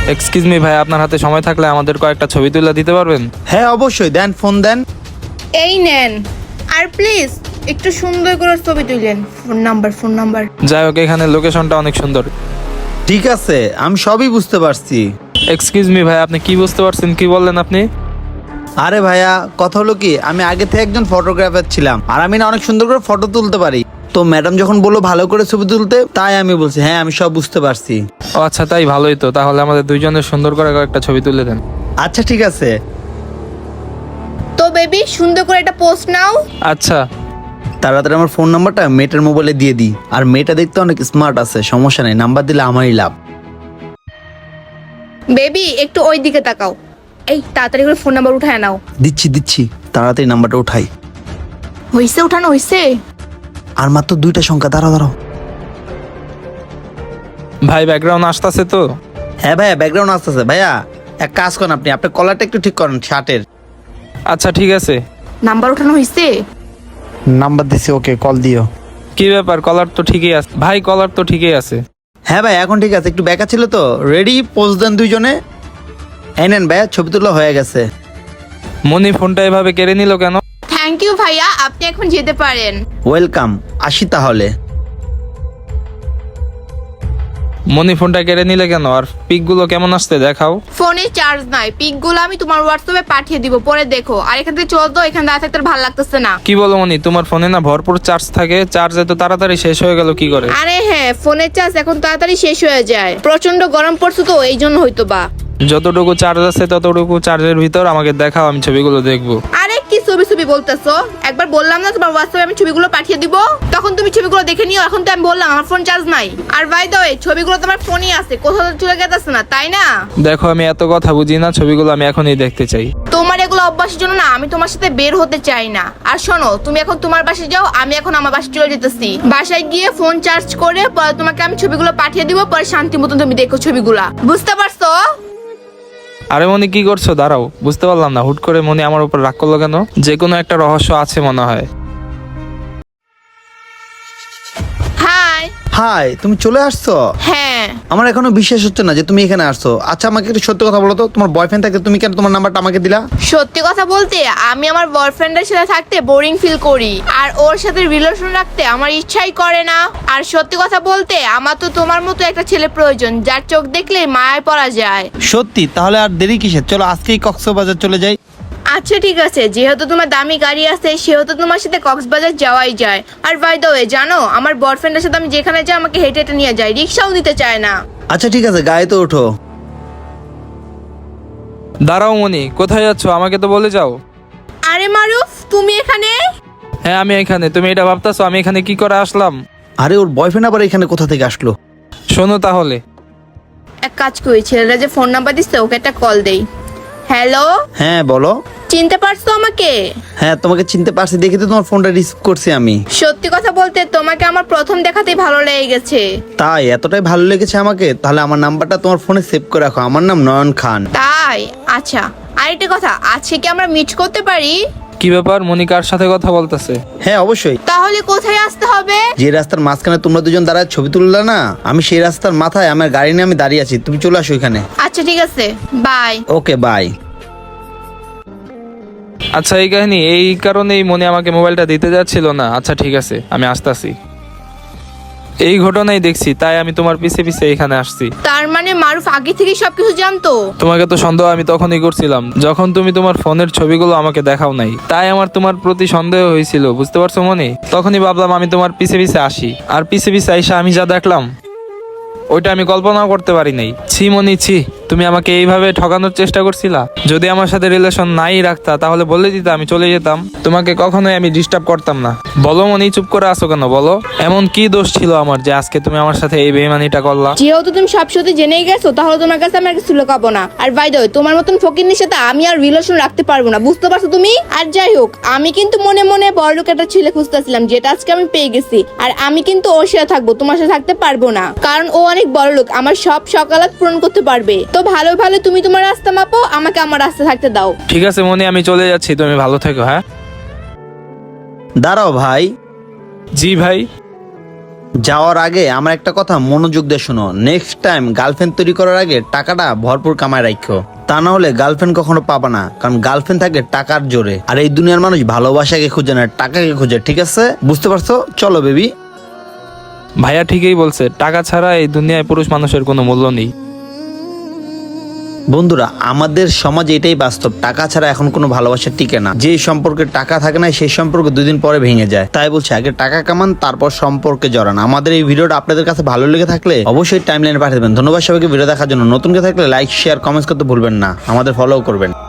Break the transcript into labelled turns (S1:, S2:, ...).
S1: Excuse me ভাই, আপনার হাতে সময় থাকলে আমাদের কয়েকটা ছবি তুলে দিতে পারবেন?
S2: হ্যাঁ অবশ্যই, দেন, ফোন দেন।
S3: এই নেন। আর প্লিজ একটু সুন্দর করে ছবি তুলেন। Phone number.
S1: যাই হোক, এখানে লোকেশনটা অনেক সুন্দর।
S2: ঠিক আছে, আমি সবই বুঝতে পারছি।
S1: এক্সকিউজ মি ভাই, আপনি কি বুঝতে পারছেন? কি বললেন আপনি?
S2: আরে ভাইয়া, কথা হলো কি, আমি আগে থেকে একজন ফটোগ্রাফার ছিলাম, আর আমি না অনেক সুন্দর করে ফটো তুলতে পারি। তো ম্যাডাম যখন বললো ভালো করে ছবি তুলতে, তাই আমি বলছি হ্যাঁ আমি সব বুঝতে পারছি।
S1: ও আচ্ছা, তাই ভালোই তো। তাহলে আমাদের দুইজনের সুন্দর করে কয়েকটা ছবি তুলে দেন।
S2: আচ্ছা ঠিক আছে।
S3: তো বেবি, সুন্দর করে একটা পোস্ট নাও।
S1: আচ্ছা।
S2: তাড়াতাড়ি আমার ফোন নাম্বারটা মেয়েটার মোবাইলে দিয়ে দিই। আর মেয়েটা দেখতে অনেক স্মার্ট আছে, সমস্যা নেই, নাম্বার দিলে আমারই লাভ।
S3: বেবি একটু ওই দিকে তাকাও। এই তাড়াতাড়ি করে ফোন নাম্বার উঠায় নাও।
S2: দিচ্ছি, তাড়াতাড়ি নাম্বারটা উঠাই।
S3: হইছে, উঠানো হইছে।
S2: আর মাত্র 2টা সংখ্যা, দাঁড়াও।
S1: ভাই ব্যাকগ্রাউন্ড আসতেছে তো?
S2: হ্যাঁ ভাইয়া, ব্যাকগ্রাউন্ড আসতেছে। ভাইয়া এক কাজ করেন, আপনি আপনার কলারটা একটু ঠিক করেন শার্টের।
S1: আচ্ছা ঠিক আছে।
S3: নাম্বার উঠানো হইছে।
S2: নাম্বার দিছি, ওকে, কল দিও।
S1: কি ব্যাপার, কলার তো ঠিকই আছে ভাই, কলার তো ঠিকই আছে।
S2: হ্যাঁ ভাই, এখন ঠিক আছে, একটু ব্যাকা ছিল তো। রেডি, পোজ দেন দুইজনে। এই নেন ভাইয়া, ছবি তোলা হয়ে গেছে।
S1: মনি ফোনটা এভাবে কেড়ে নিল কেন?
S3: থ্যাংক ইউ ভাইয়া, আপনি এখন যেতে পারেন।
S2: ওয়েলকাম, আসি তাহলে।
S1: মনি ফোনটা কেড়ে নিলে কেন? আর পিকগুলো কেমন আসছে দেখাও।
S3: ফোনে চার্জ নাই, পিকগুলো আমি তোমার হোয়াটসঅ্যাপে পাঠিয়ে দিব, পরে দেখো। আর এখান থেকে চল তো, এখানে দাঁড়া থাকতে আর ভালো লাগতেছে না।
S1: কি বলো মনি, তোমার ফোনে না ভরপুর চার্জ থাকে? চার্জ এত তাড়াতাড়ি শেষ হয়ে গেল কি করে?
S3: আরে হ্যাঁ, ফোনের চার্জ এখন তাড়াতাড়ি শেষ হয়ে যায়, প্রচন্ড গরম পড়ছে তো এই জন্য হয়তো বা।
S1: যতটুকু চার্জ আছে ততটুকু চার্জের ভিতর আমাকে দেখাও, আমি ছবিগুলো দেখবো।
S3: আরে কি ছবি বলতেছো? একবার বললাম না তোমার হোয়াটসঅ্যাপে আমি ছবিগুলো পাঠিয়ে দিব, তখন তুমি ছবিগুলো দেখে নিও। এখন তো আমি বললাম আমার ফোন চার্জ নাই। আর বাই দ্য ওয়ে, ছবিগুলো তোমার ফোনই আছে, কোথাও তো চলে গেছে না, তাই না?
S1: দেখো, আমি এত কথা বুঝি না, ছবিগুলো আমি এখনই দেখতে চাই।
S3: তোমার এগুলো অভ্যাসের জন্য না আমি তোমার সাথে বের হতে চাই না। আর শোনো, তুমি এখন তোমার বাসায় যাও, আমি এখন আমার বাসায় চলে যেতেছি। বাসায় গিয়ে ফোন চার্জ করে পরে তোমাকে আমি ছবিগুলো পাঠিয়ে দিব, পরে শান্তি মতন তুমি দেখো ছবিগুলা, বুঝতে পারছো?
S1: আরে মনি, কি করছো? দাঁড়াও, বুঝতে পারলাম না, হুট করে মনি আমার উপর রাগ করলো কেন? যে কোনো একটা রহস্য আছে মনে হয়।
S3: হাই।
S2: হাই, তুমি চলে আসছো?
S3: হ্যাঁ।
S2: আমার এখনো বিশ্বাস হচ্ছে না যে তুমি এখানে আসছো। আচ্ছা আমাকে একটু সত্যি কথা বলো তো, তোমার বয়ফ্রেন্ড থাকতে তুমি কেন তোমার নাম্বারটা আমাকে দিলা?
S3: সত্যি কথা বলতে, আমি আমার বয়ফ্রেন্ডের সাথে থাকতে বোরিং ফিল করি, আর ওর সাথে রিলেশন রাখতে আমার ইচ্ছাই করে না। আর সত্যি কথা বলতে, আমার তো তোমার মতো একটা ছেলে প্রয়োজন, যার চোখ দেখলে মায়ায় পড়া যায়।
S2: সত্যি? তাহলে আর দেরি কিসের, চলো আজকেই কক্সবাজার চলে যাই।
S3: আচ্ছা ঠিক আছে, যেহেতু তোমার দামি গাড়ি আছে সেহেতু তোমার সাথে কক্সবাজার যাওয়াই যায়। আর বাই দ্য ওয়ে, জানো আমার বয়ফ্রেন্ডের সাথে আমি যেখানে যাই আমাকে হেঁটে হেঁটে নিয়ে যায়, রিক্সাও নিতে চায় না।
S2: আচ্ছা ঠিক আছে, গায়ে তো ওঠো।
S1: দাঁড়াও মনি, কোথায় যাচ্ছো? আমাকে তো বলে যাও।
S3: আরে মারুফ, তুমি এখানে?
S1: হ্যাঁ আমি এখানে। তুমি এটা ভাবতেছো আমি এখানে কি করে আসলাম?
S2: আরে ওর বয়ফ্রেন্ড আবার এখানে কোথা থেকে আসলো?
S1: শোনো তাহলে।
S3: এক কাজ করি, ছেলেরা যে ফোন নাম্বার দিচ্ছে ওকে একটা কল দেই। হ্যালো।
S2: হ্যাঁ বলো।
S3: চিনতে পারছো আমাকে?
S2: হ্যাঁ তোমাকে চিনতে পারছি, দেখে তো তোমার ফোনটা রিসিভ করছি আমি।
S3: সত্যি কথা বলতে তোমাকে আমার প্রথম দেখাতেই ভালো লেগে গেছে।
S2: তাই? এতটাই ভালো লেগেছে আমাকে? তাহলে আমার নাম্বারটা তোমার ফোনে সেভ করে রাখো, আমার নাম নয়ন খান।
S3: তাই? আচ্ছা, আরেকটা কথা, আজকে কি আমরা মিট করতে পারি?
S1: কি ব্যাপার, মনি কার সাথে কথা বলতেছে?
S2: হ্যাঁ অবশ্যই।
S3: তাহলে কোথায় আসতে হবে?
S2: যে রাস্তার মাঝখানে তোমরা দুজন দাঁড়ায় ছবি তুললে না, আমি সেই রাস্তার মাথায় আমার গাড়ি নিয়ে আমি দাঁড়িয়ে আছি, তুমি চলে আসো এখানে।
S3: আচ্ছা ঠিক আছে, বাই।
S2: Okay bye.
S1: আচ্ছা এই কাহিনী, এই কারণেই মনি আমাকে মোবাইলটা দিতে যাচ্ছিল না। আচ্ছা ঠিক আছে, আমি আসতেছি। এই ঘটনাই দেখছি, তাই আমি তোমার পিছে পিছে এখানে আসছি।
S3: তার মানে মারুফ আগে থেকে সবকিছু জানতো?
S1: তোমাকে তো সন্দেহ আমি তখনই করছিলাম যখন তুমি তোমার ফোনের ছবিগুলো আমাকে দেখাও নাই, তাই আমার তোমার প্রতি সন্দেহ হয়েছিল, বুঝতে পারছো মনি? তখনই ভাবলাম আমি তোমার পিছে পিছে আসি, আর পিছে পিছে আইসা আমি যা দেখলাম ওইটা আমি কল্পনাও করতে পারি নাই। ছি মনি ছি, তুমি আমাকে এইভাবে ঠকানোর চেষ্টা করছিলা। যদি আমার সাথে রিলেশন নাই রাখতা তাহলে বলে দিতা, আমি চলে যেতাম, তোমাকে কখনোই আমি ডিস্টার্ব করতাম না। বলো মনি, চুপ করে আসো কেন বলো? এমন কি দোষ ছিল আমার যে আজকে তুমি আমার সাথে এই বেইমানিটা করলা?
S3: যেহেতু তুমি সব সত্যি জেনেই গেছো, তাহলে তোমার কাছে আমি আর কিছু লুকাবো না। আর বাই দ্য ওয়ে, তোমার মতন ফকিন্নির সাথে আমি আর রিলেশন রাখতে পারবো না, বুঝতে পারছো তুমি? আর যাই হোক, আমি কিন্তু মনে মনে বড়লোক একটা ছেলে খুঁজতেছিলাম, যেটা আজকে আমি পেয়ে গেছি। আর আমি কিন্তু ওর সাথে থাকবো, তোমার সাথে থাকতে পারবো না, কারণ ও অনেক বড়লোক, আমার সব সকালাত পূরণ করতে পারবে। তো ভালো ভালো তুমি তোমার রাস্তা মাপো, আমাকে আমার রাস্তা থাকতে দাও।
S1: ঠিক আছে মনি, আমি চলে যাচ্ছি, তুমি ভালো থেকো। হ্যাঁ
S2: দাঁড়াও ভাই।
S1: জি ভাই।
S2: যাওয়ার আগে আমার একটা কথা মনোযোগ দিয়ে শোনো, নেক্সট টাইম গার্লফ্রেন্ড তৈরি করার আগে টাকাটা ভরপুর কামায় রাখো, তা না হলে গার্লফ্রেন্ড কখনো পাবা না। কারণ গার্লফ্রেন্ড থাকে টাকার জোরে, আর এই দুনিয়ার মানুষ ভালোবাসাকে খুঁজে না, টাকাকে খুঁজে। ঠিক আছে, বুঝতে পারছো? চলো বেবি।
S1: ভাইয়া ঠিকই বলছে, টাকা ছাড়া এই দুনিয়ায় পুরুষ মানুষের কোনো মূল্য নেই।
S2: বন্ধুরা, আমাদের সমাজে এটাই বাস্তব, টাকা ছাড়া এখন কোনো ভালোবাসা টিকে না। যে সম্পর্কে টাকা থাকে না সেই সম্পর্ক 2 দিন পরে ভেঙে যায়। তাই বলছি, আগে টাকা কামান, তারপর সম্পর্কে জড়ান। আমাদের এই ভিডিওটা আপনাদের কাছে ভালো লেগে থাকলে অবশ্যই টাইমলাইনে পাঠিয়ে দেবেন। ধন্যবাদ সবাইকে ভিডিও দেখার জন্য। নতুন কেউ থাকলে লাইক, শেয়ার, কমেন্টস করতে ভুলবেন না। আমাদের ফলো করবেন।